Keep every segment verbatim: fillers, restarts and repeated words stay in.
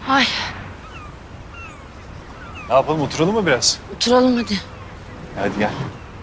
Ay, Ne yapalım, oturalım mı biraz? oturalım hadi. Hadi gel.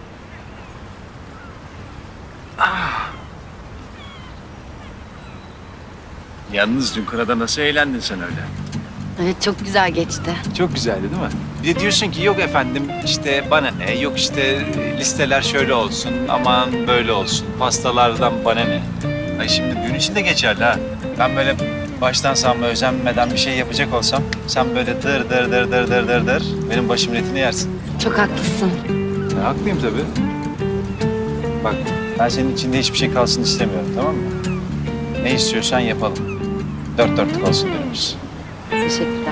Yalnız dün kırada nasıl eğlendin sen öyle? Evet, çok güzel geçti. Çok güzeldi değil mi? Bir de diyorsun ki yok efendim işte bana ne, yok işte listeler şöyle olsun, aman böyle olsun, pastalardan bana ne. Ay şimdi düğün için de geçerli ha. Ben böyle baştan sağma özenmeden bir şey yapacak olsam, sen böyle dır dır dır dır dır dır dır benim başımın etini yersin. Çok haklısın. Ya, haklıyım tabii. Bak ben senin içinde hiçbir şey kalsın istemiyorum, tamam mı? Ne istiyorsan yapalım. Dört dörtlük olsun önümüz. Teşekkürler.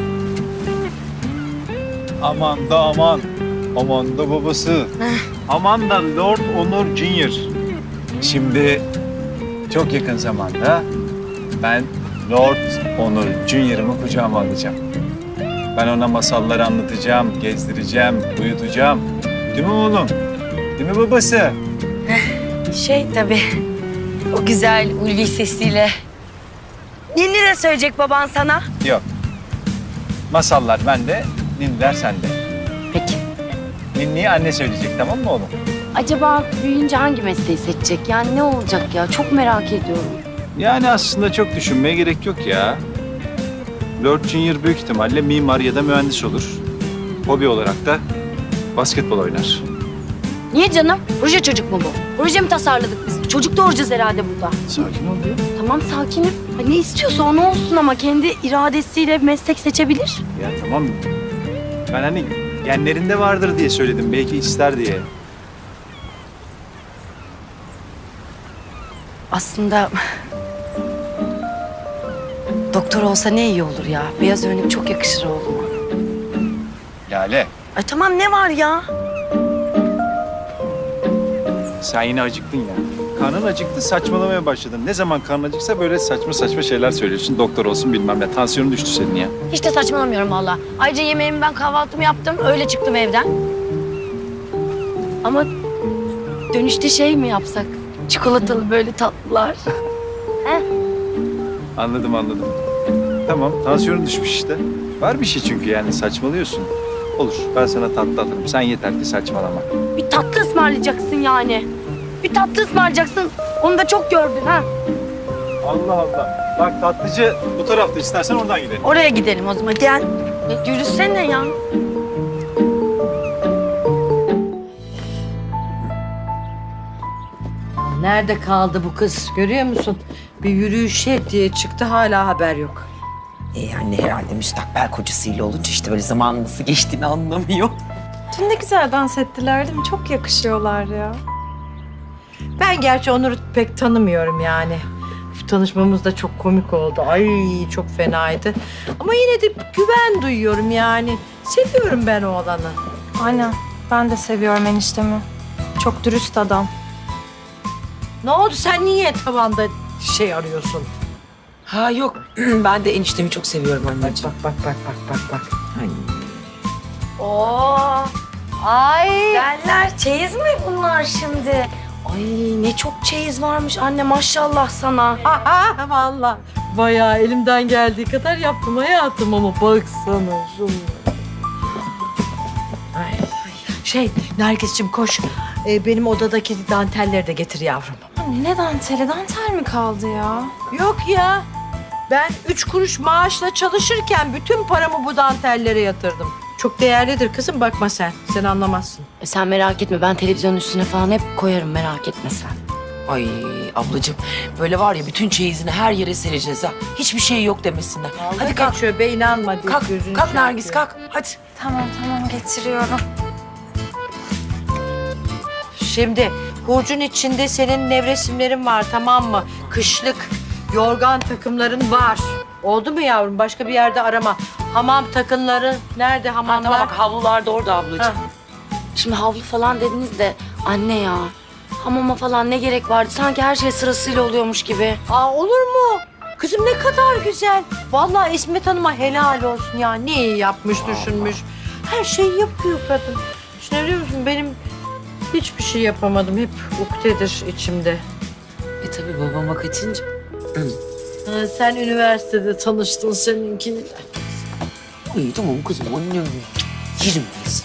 Aman da aman. Aman da babası. Aman da Lord Onur Junior Şimdi çok yakın zamanda ben Lord Onur Junior'ımı kucağıma alacağım. Ben ona masalları anlatacağım, gezdireceğim, uyutacağım. Değil mi oğlum? Değil mi babası? Şey tabii, o güzel ulvi sesiyle. Ninni de söyleyecek baban sana. Yok. Masallar bende, ninniler sende. Peki. Ninniyi anne söyleyecek, tamam mı oğlum? Acaba büyüyünce hangi mesleği seçecek? Yani ne olacak ya? Çok merak ediyorum. Yani aslında çok düşünmeye gerek yok ya. Lord Junior büyük ihtimalle mimar ya da mühendis olur. Hobi olarak da basketbol oynar. Niye canım? Proje çocuk mu bu? Proje mi tasarladık biz? Çocuk doğuracağız herhalde burada. Sakin ol ya. Tamam, sakinim. Ha, ne istiyorsa onu olsun ama kendi iradesiyle meslek seçebilir. Ya tamam. Ben hani genlerinde vardır diye söyledim. Belki ister diye. Aslında doktor olsa ne iyi olur ya. Beyaz önlük çok yakışır oğluma. Lale, Ay tamam, ne var ya? sen yine acıktın ya. Karnın acıktı, saçmalamaya başladın. Ne zaman karnın acıksa böyle saçma saçma şeyler söylüyorsun. Doktor olsun bilmem ne. Tansiyonun düştü senin ya. Hiç de saçmalamıyorum valla. Ayrıca yemeğimi ben kahvaltımı yaptım. Öyle çıktım evden. Ama dönüşte şey mi yapsak? Çikolatalı böyle tatlılar. Anladım, anladım. Tamam, tansiyonun düşmüş işte. Var bir şey çünkü yani saçmalıyorsun. Olur, ben sana tatlı alırım. Sen yeter ki saçmalama. Bir tatlı ısmarlayacaksın yani. Bir tatlı ısmarlayacaksın. Onu da çok gördün ha. Allah Allah. Bak tatlıcı bu tarafta, istersen oradan gidelim. Oraya gidelim o zaman. Gel. E, yürüsene ya. Nerede kaldı bu kız görüyor musun? Bir yürüyüşe diye çıktı hala haber yok. E anne herhalde müstakbel kocasıyla olunca işte böyle zamanın nasıl geçtiğini anlamıyor. Dün ne güzel dans ettiler değil mi? Çok yakışıyorlar ya. Ben gerçi Onur'u pek tanımıyorum yani. Şu tanışmamız da çok komik oldu. Ay çok fenaydı. Ama yine de güven duyuyorum yani. Seviyorum ben oğlanı. Aynen. Ben de seviyorum eniştemi. Çok dürüst adam. Ne oldu sen niye tavanda şey arıyorsun? Ha yok ben de eniştemi çok seviyorum Bak anneciğim. bak bak bak bak bak bak. Ay. Oo. Ay. Derler çeyiz mi bunlar şimdi? Ay ne çok çeyiz varmış anne, maşallah sana. Aha valla. Bayağı elimden geldiği kadar yaptım hayatım ama baksana şunu. Ay. Şey Nergis'cim koş. Ee, benim odadaki dantelleri de getir yavrum. Anne ne danteli? Dantel mi kaldı ya? Yok ya. Ben üç kuruş maaşla çalışırken bütün paramı bu dantellere yatırdım. Çok değerlidir kızım, bakma sen. Sen anlamazsın. E sen merak etme, ben televizyonun üstüne falan hep koyarım, merak etme sen. Ay ablacığım böyle var ya bütün çeyizini her yere sereceğiz ha. Hiçbir şey yok demesinler. Hadi kalk. Geçiyor be, inanma diye Kalk, gözünü kalk şey Nergis yapıyor. kalk. Hadi. Tamam tamam getiriyorum. Şimdi hurcun içinde senin nevresimlerin var, tamam mı? Kışlık yorgan takımların var. Oldu mu yavrum? Başka bir yerde arama. Hamam takımları nerede Ha, hamamlar? tamam bak havlular da orada ablacığım. Ha. Şimdi havlu falan dediniz de anne ya, hamama falan ne gerek vardı? Sanki her şey sırasıyla oluyormuş gibi. Aa, olur mu? Kızım ne kadar güzel. Vallahi İsmet Hanım'a helal olsun ya. Ne iyi yapmış, düşünmüş. Her şeyi yapıyor kadın. Şimdi biliyor musun benim hiçbir şey yapamadım. Hep ukdedir içimde. E tabii babama kaçınca. Ha, sen üniversitede tanıştın seninkiyle. İyi tamam kızım annem. Yerim biz.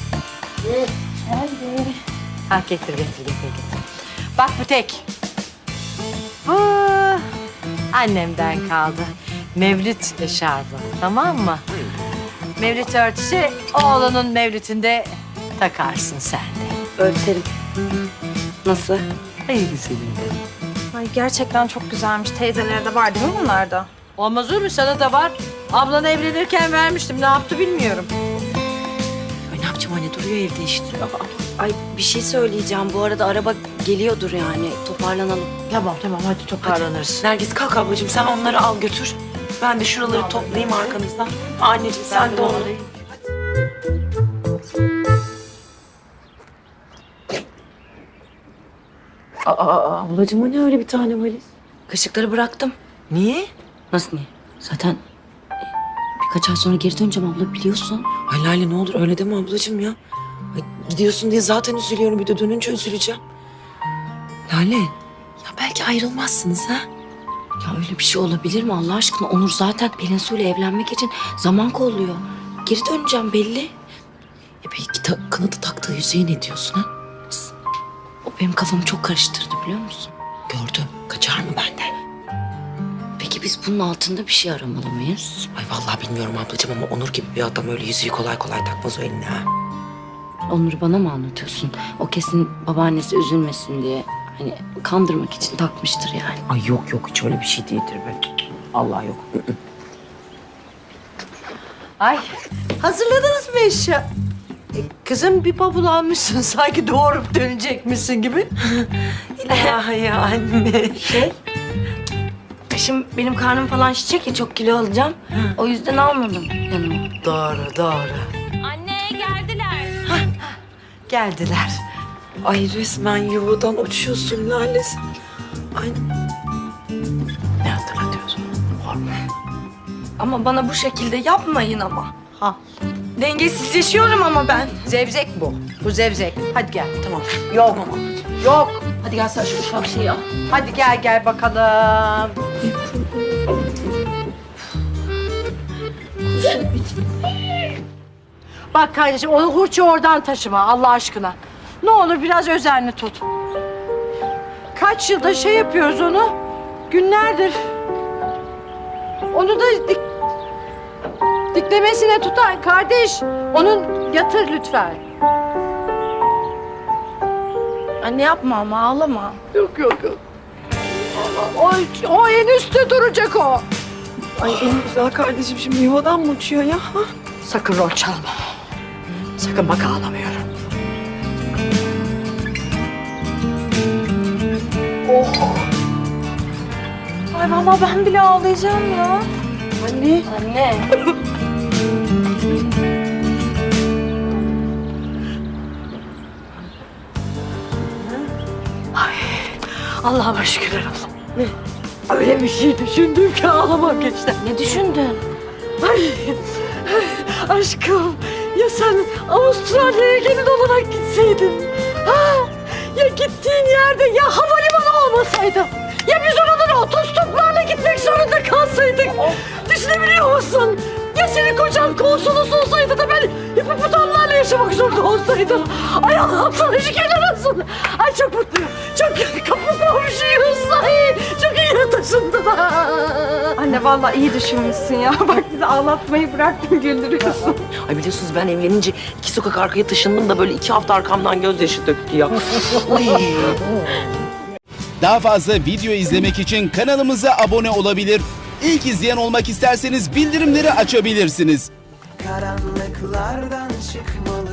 Ha getir getir getir getir. Bak bu tek. Bu annemden kaldı. Mevlüt eşarbı, tamam mı? Mevlüt örtüsü oğlunun mevlütünde takarsın sen de. Örterim. Nasıl? Ay güzelim benim. Ay gerçekten çok güzelmiş. Teyzelere de var değil mi bunlarda? Olmaz olur mu? Sana da var. Ablan evlenirken vermiştim. Ne yaptı bilmiyorum. Ay ne yapacağım anne duruyor evde işte. Ay bir şey söyleyeceğim. Bu arada araba geliyordur yani. Toparlanalım. Tamam tamam hadi toparlanırız. Nergis kalk ablacığım sen onları al götür. Ben de şuraları toplayayım arkanızdan. Anneciğim sen de onu. Aa, ablacığım o ne öyle bir tane valiz? Kaşıkları bıraktım. Niye? Nasıl niye? Zaten e, birkaç ay sonra geri döneceğim abla biliyorsun. Ay Lale ne olur öyle deme ablacığım ya. Ay, gidiyorsun diye zaten üzülüyorum bir de dönünce üzüleceğim. Lale ya belki ayrılmazsınız ha? Ya öyle bir şey olabilir mi Allah aşkına? Onur zaten Pelin Su'yla evlenmek için zaman kolluyor. Geri döneceğim belli. E peki ta- kanadı taktığı yüzüğe ne diyorsun ha? O benim kafamı çok karıştırdı biliyor musun? Gördüm kaçar mı benden? Peki biz bunun altında bir şey aramalı mıyız? Ay vallahi bilmiyorum ablacığım ama Onur gibi bir adam öyle yüzüğü kolay kolay takmaz o eline ha. Onur'u bana mı anlatıyorsun? O kesin babaannesi üzülmesin diye hani kandırmak için takmıştır yani. Ay yok yok hiç öyle bir şey değildir be. Allah yok. Ay hazırladınız mı eşya? E, kızım bir bavul almışsın sanki doğurup dönecekmişsin gibi. İlahi anne. Şey, şimdi benim karnım falan şişecek ya çok kilo alacağım. O yüzden almadım yanıma. Doğru doğru. Anne geldiler. Geldiler. Ay resmen yuvadan uçuyorsun Lale sen. Ay. Ne hatırlatıyorsun? Ama bana bu şekilde yapmayın ama. Ha. Dengesizleşiyorum ama ben. Zevzek bu. Bu zevzek. Hadi gel. Tamam. Yok. Yok. Hadi gel sen şu ufak şeyi al. Hadi gel gel bakalım. Bak kardeşim onu hurçu oradan taşıma Allah aşkına. Ne olur biraz özenli tut. Kaç yılda şey yapıyoruz onu. Günlerdir. Onu da dik, diklemesine tutar kardeş. Onun yatır lütfen. Anne yapma ama ağlama. Yok yok yok. O, o en üstte duracak o. Ay en güzel kardeşim şimdi yuvadan mı uçuyor ya? Ha? Sakın rol çalma. Sakın bak ağlamıyorum. Ay vallahi ben bile ağlayacağım ya. Anne. Anne. Allah'ıma şükürler olsun. Öyle bir şey düşündüm ki ağlamak geçti. Ne düşündün? Ay, aşkım ya sen Avustralya'ya gelin olarak gitseydin. Ha, ya gittiğin yerde ya havalimanı olmasaydı. Ya biz oradan otostoplarla gitmek zorunda kalsaydık. Düşünebiliyor musun? Ya senin kocan konsolos olsaydı da ben hipopotamlarla yaşamak zorunda olsaydım. Ay Allah'ım sana şükürler olsun. Ay çok mutluyum. Çok kapı komşuyuz. Ay çok iyi taşındı da. Anne vallahi iyi düşünmüşsün ya. Bak bizi ağlatmayı bıraktın güldürüyorsun. Ay biliyorsunuz ben evlenince iki sokak arkaya taşındım da böyle iki hafta arkamdan gözyaşı döktü ya. Ay. Daha fazla video izlemek için kanalımıza abone olabilir. İlk izleyen olmak isterseniz bildirimleri açabilirsiniz. Karanlıklardan çıkmalı